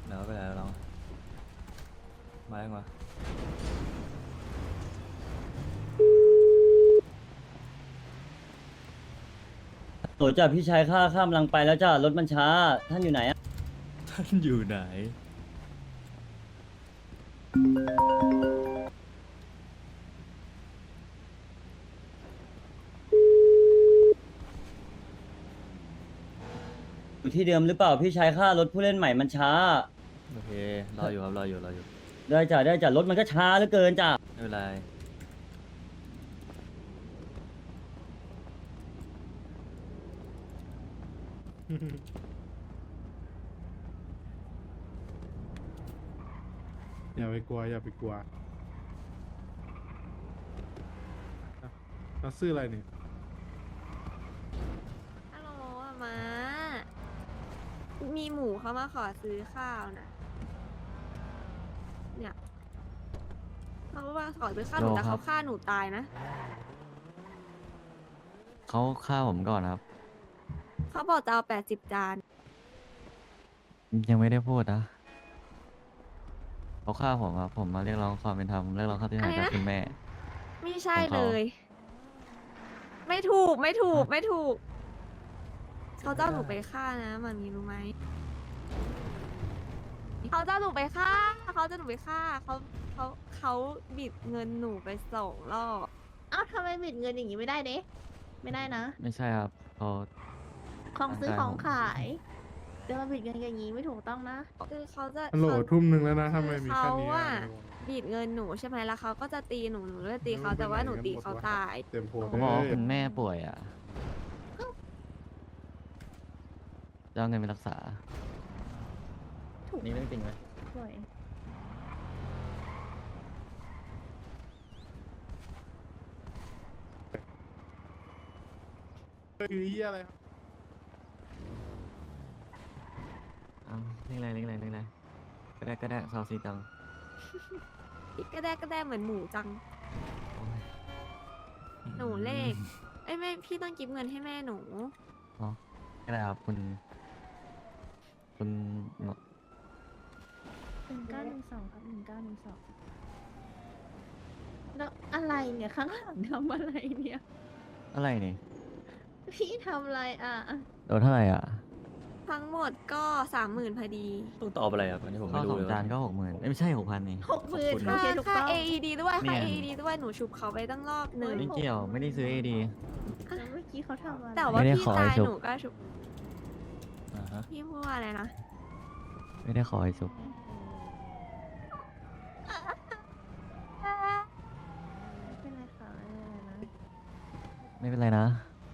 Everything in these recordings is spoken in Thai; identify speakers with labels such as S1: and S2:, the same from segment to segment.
S1: เดี๋ยวไปไหนเรามายังวะ
S2: โหจ้ะพี่ชายข้ามลังไปแล้วจ้ะรถมันช้าท่านอยู่ไหนอะ
S1: ท่านอยู่ไหน
S2: อยู่ที่เดิมหรือเปล่าพี่ชายข้ารถผู้เล่นใหม่มันช้า
S1: โอเครออยู่ครับรออยู่รออยู่
S2: ได้จ้ะรถมันก็ช้าเหลือเกินจ้ะ
S1: ไม่เป็นไร
S3: อย่าไปกลัวอย่าไปกลัวเราซื้ออะไรนี่
S4: ฮัลโหลอะมา มีหมูเขามาขอซื้อข้าวนะเนี่ยเขาว่าขอซื้อข้าวหนูแต่เขาฆ่าหนูตายนะ
S5: เขาฆ่าผมก่อนครับ
S4: เขาบอกจะเอา80 จาน
S5: ยังไม่ได้พูดนะเขาฆ่าผมครับผมมาเรียกร้องความเป็นธรรมเรียกร้องค่าเสียหายจากคุณแม่
S4: ไม่ใช่
S5: ของ
S4: เล
S5: เขา
S4: ย ไม่ถูกไม่ถูกไม่ถูก เขาจะเอาหนูไปฆ่านะมันมีรู้ไหมเขาจะเอาหนูไปฆ่าเขาจะหนูไปฆ่าเขาบิดเงินหนูไป2 รอบ
S6: เอ้าทำไมบิดเงินอย่างนี้ไม่ได้เด้ไม่ได้นะ
S5: ไม่ใช่ครับเขา
S6: ของซื้อ
S5: ได้
S6: ของขายจะมาบิดเงินอย่างนี้ไม่ถูกต้องนะ
S4: คือเขาจะ
S3: ฮัลโหล
S4: เขา
S3: ทุ่มหนึ่งแล้วนะทำไมมี
S4: เขา
S3: แค่นี้
S4: อะ
S3: อะ
S4: บีดเงินหนูใช่ไหมแล้วเขาก็จะตีหนูเลยตีเขาแต่ว่าหนูตีเขาตาย
S3: เต็มโพ
S5: ผมบอกว่าคุณแม่ป่วยอ่ะจะเอาเงินไปรักษา
S2: นี่เรื่องจริงไหม
S6: สวย
S3: คือเหี้ยอะไรครับ
S5: เอาเรียกอะไรเรียกอะไรเรียกอะไรก็ได้ซาวซีตัง
S4: ก็ได้เหมือนหมูจัง
S5: โอ้ย
S4: หนูเลขเอ้ยแม่พี่ต้องกิฟเงินให้แม่หนู
S5: อ๋อก็ได้ครับคุณ
S6: 1912ครับ1912แล้วอะไรเนี่ยข้างหลังทำอะไรเนี่ย
S5: อะไรนี่
S6: พี่ทำอะไรอ่ะ
S5: โดนเท่าไหร่อ่ะ
S4: ทั้งหมดก็30,000พอดี
S1: ต้องตอบอะไรครับอันนี้ผม
S5: ข้า
S1: ไม่
S5: ว
S1: รู้
S5: สอง
S1: เลย
S5: จานก็60,000ไม่ใช่6,000นี่
S6: 60,000
S1: ขอบคุณ
S6: โอ
S1: นะ
S6: เคถูก
S4: ค่า
S6: ต้อง
S4: AED ด้วยค่า
S5: เนี่ย
S4: AED ด้วยหนูชุบเขาไปตั้งรอบหนึ่ง
S5: ไม่เกี่ยวไม่ได้ซื้อเอดี
S6: แล้วเมื่อกี้เขาทำอะไร
S4: แต่ว่า
S5: ไม่ได้
S4: พี่
S5: ขอให้
S4: ตาย
S5: ชุบ
S4: หนูก็ชุบ
S1: อ่าฮะ
S4: พี่พูดว่าอะไรนะ
S5: ไม่ได้ขอให้ซุป
S6: เป็นไรคะอะไรนะ
S5: ไม่เป็นไรนะ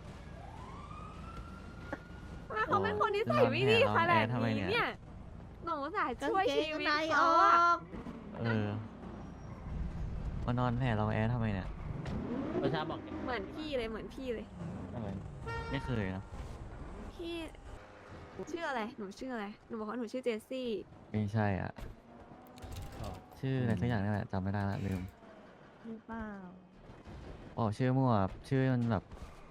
S4: ว่าเขาเป็นคนที่ใส่ไม่ดีขนาด
S5: ทำไม
S4: นี้
S5: เนี่ย
S4: เนี่ยหนูสาย
S6: กาง
S4: ช่วย
S6: เก
S4: ชี
S6: ง
S4: วิต
S6: ในอ
S4: เขา
S6: อ
S4: อะ
S6: ก
S5: เออมานอนแผ่เราแอร์ทำไมเนี่ย
S2: ประชาบอก
S4: เหมือนพี่เลยเหมือนพี่เลย
S5: อะไรไม่เคยนะ
S4: พี่ชื่ออะไรหนูชื่ออะไรหนูบอกว่าหนูชื่อเจสซี่
S5: ไม่ใช่อ่ะ ชื่ออะไรสักอย่างนี่แหละจำไม่ได้ละลืม
S6: หรือเปล่า
S5: อ๋อชื่อมั่วชื่อมันแบบ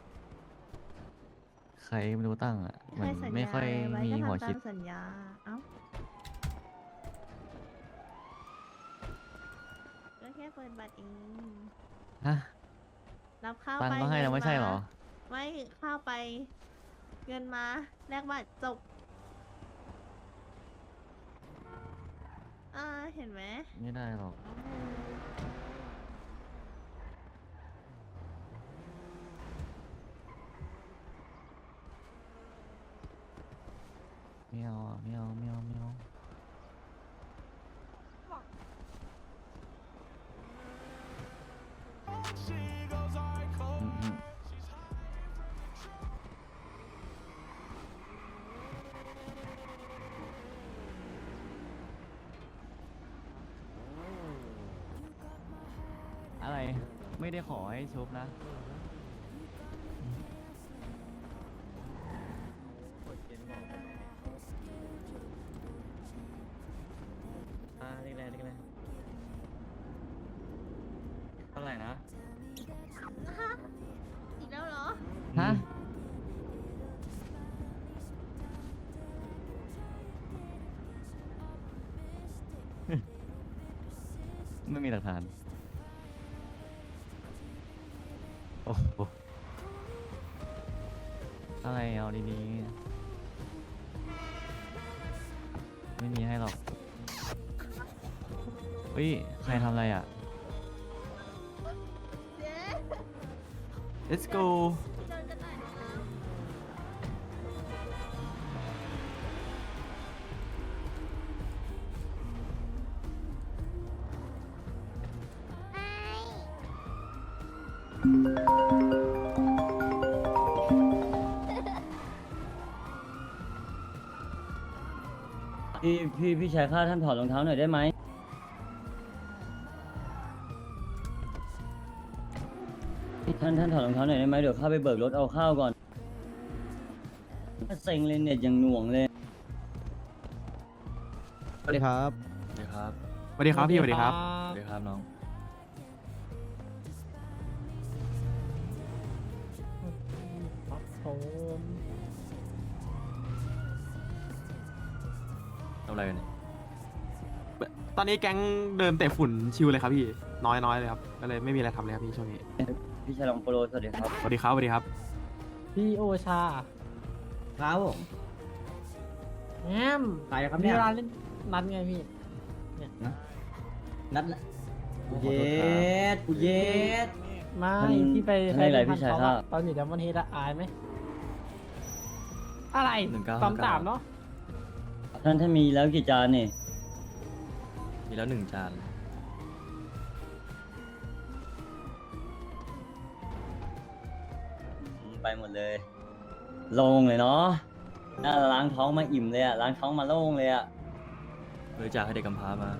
S5: ใครไม่รู้ตั้งอ่ะเหมือน
S6: ให้สัญญา
S5: ไม่ค่อย
S6: ไว้
S5: มี
S6: ก็
S5: หัว
S6: ทำตา
S5: คิด
S6: มสัญญา เอ้าก็แค่เปิดบัตรเอง
S5: ฮะ
S6: รับข้าว
S5: ตัง
S6: ไป
S5: ค์ก็ให้เรา
S6: งิน
S5: ไม่ใช่เหรอ
S6: ไม่ข้าวไป เงินมาแลกบัตรจบ เห็นไหม
S5: ไม่ได้หรอกไม่เอาอ่ะไม่เอาไม่เอาไม่เอาอืมอะไรไม่ได้ขอให้ชุบนะ เรียกอะไรเรียกอะไรเท่าไหร่นะ
S6: อีกแล้วเหรอ
S5: ฮะไม่มีหลักฐาน โอ้โหอะไรเอาดีๆ ไม่มีให้หรอกเฮ้ย ใครทำอะไรอ่ะ
S6: เจ๊
S7: let's go
S6: เดินกันหน่อยนะคะ
S2: พี่ชายข้าท่านถอดรองเท้าหน่อยได้ไหมท่านถอดรองเท้าหน่อยได้ไหมเดี๋ยวข้าไปเบิกรถเอาข้าวก่อนเซ็งเลยเน็ตอย่างหน่วงเลย
S7: สวัสดีครับ
S1: สวัสดีครับ
S7: สวัสดีครับพี่สวัสดีครับ
S1: สวัสดีครับน้องทำอะไรกันเนี่ย
S7: ตอนนี้แก๊งเดินเตะฝุ่นชิวเลยครับพี่น้อยเลยครับก็เลยไม่มีอะไรทำเลยครับพี่ช่วงนี้
S2: พี่ชายลองโปรสวัสดีครับ
S7: สวัสดีครับสวัสดีครับ
S8: พี่โอชา
S2: ครับผม
S8: แอม
S2: ใครครับ
S8: มี
S2: เนี่ย
S8: เวลาเล่นนัดไงพี่
S2: นัดเย็ดกูเย็ด
S8: ไม่
S2: ท่าน
S8: พี่ไป
S2: ท่านให้อะไร
S8: พัน
S2: พี่ชาย
S8: เขา
S2: ข้า
S8: อะตอนอยู่ดัมเบิลเฮดอะอายไหมอะไร 3-3เนาะ
S2: ท่านมีแล้วกี่จานนี่
S1: มีแล้ว1 จาน
S2: ไปหมดเลยโล่งเลยเนาะน่าล้างท้องมาอิ่มเลยอะล้างท้องมาโล่งเลยอะ
S1: บริจาคให้เด็กกำพร้ามา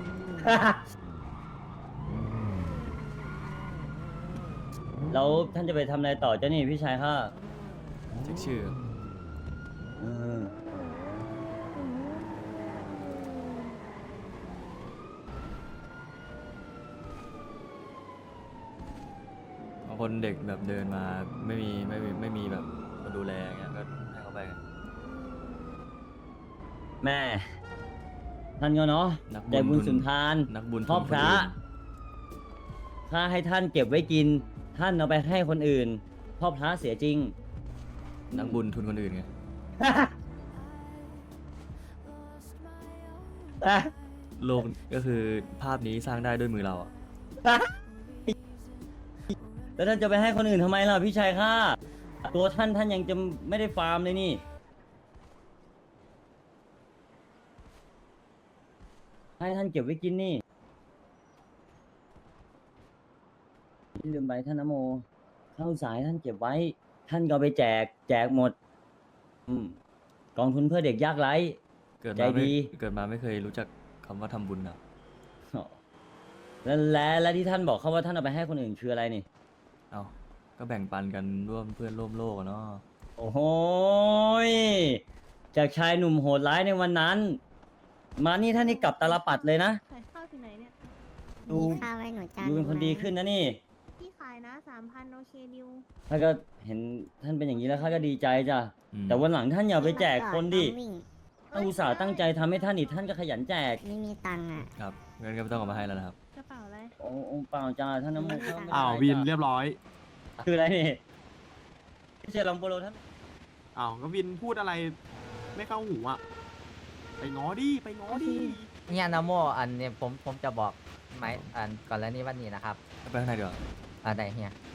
S2: แล้วท่านจะไปทำอะไรต่อเจ้านี่พี่ชายข้า
S1: เช็คชื่อ
S2: เออ
S1: บางคนเด็กแบบเดินมาไม่มีแบบมาดูแลเงี้ยก็ให้เขาไปกัน
S2: แม่ ท่านก็เนาะ
S1: นัก
S2: ใจบุญสุนทาน
S1: นักบุญ
S2: พ่อพระ
S1: คนอื่น
S2: ถ้าให้ท่านเก็บไว้กิน ท่านเอาไปให้คนอื่น พ่อพระเสียจริง
S1: นักบุญทุนคนอื่นไง โลกก็คือภาพนี้สร้างได้ด้วยมือเราอะ
S2: แล้วท่านจะไปให้คนอื่นทำไมล่ะพี่ชายข้าตัวท่านยังจะไม่ได้ฟาร์มเลยนี่ ให้ท่านเก็บไว้กินนี่ลืมไปท่านนโมข้าวสายท่านเก็บไว้ ท่านก็เอาไปแจกหมด กองทุนเพื่อเด็กยากไร้
S1: เกิด
S2: ใจ
S1: มาไม่
S2: ดี
S1: เกิดมาไม่เคยรู้จักคำว่าทำบุญอะ
S2: และที่ท่านบอกเขาว่าท่านเอาไปให้คนอื่นคืออะไรนี่
S1: เอาก็แบ่งปันกันร่วมเพื่อนร่วมโลกอะเนาะ
S2: โอ้โหยจากชายหนุ่มโหดร้ายในวันนั้น มานี่ท่านนี่กลับตาลปัดเลยนะ
S6: ขายข้าวที่ไหนเนี่ย
S2: ดู
S9: มีข้าวไว้หนูจาน
S2: ดูเป็นคนดีขึ้นนะนี่
S6: พี่ขายนะ 3,000โอเคดิว
S2: ถ้าก็เห็นท่านเป็นอย่างนี้แล้วข้าก็ดีใจจ้ะ
S1: อืม
S2: แต่วันหลังท่านอย่าไปแจกคนดิ
S9: วิ่ง
S2: ถ้าอุตส่าห์ตั้งใจทำให้ท่านอีกท่านก็ขยันแจก
S9: ไม่มีตังค์อ่ะ
S1: ครับเงินก็ไม่ต้องเอามาให้แล้วนะครับ
S6: กระเป๋าอะไร
S2: โอ้เปล่าจ้าท่านน้ำมันต์
S7: อ้าววินเรียบร้อย
S2: คืออะไรนี่พี่เชยร์ลองโปรโลท่าน
S7: อ้าวก็วินพูดอะไรไม่เข้าหูอ่ะไปง้อดิไปง้อดิ
S10: เนี่ยนาโมอันเนี่ยผมจะบอกไหมอันก่อนแล้วนี่วันนี้นะครับ
S1: ไปข้างในดีกว่า
S10: อะไรเฮีย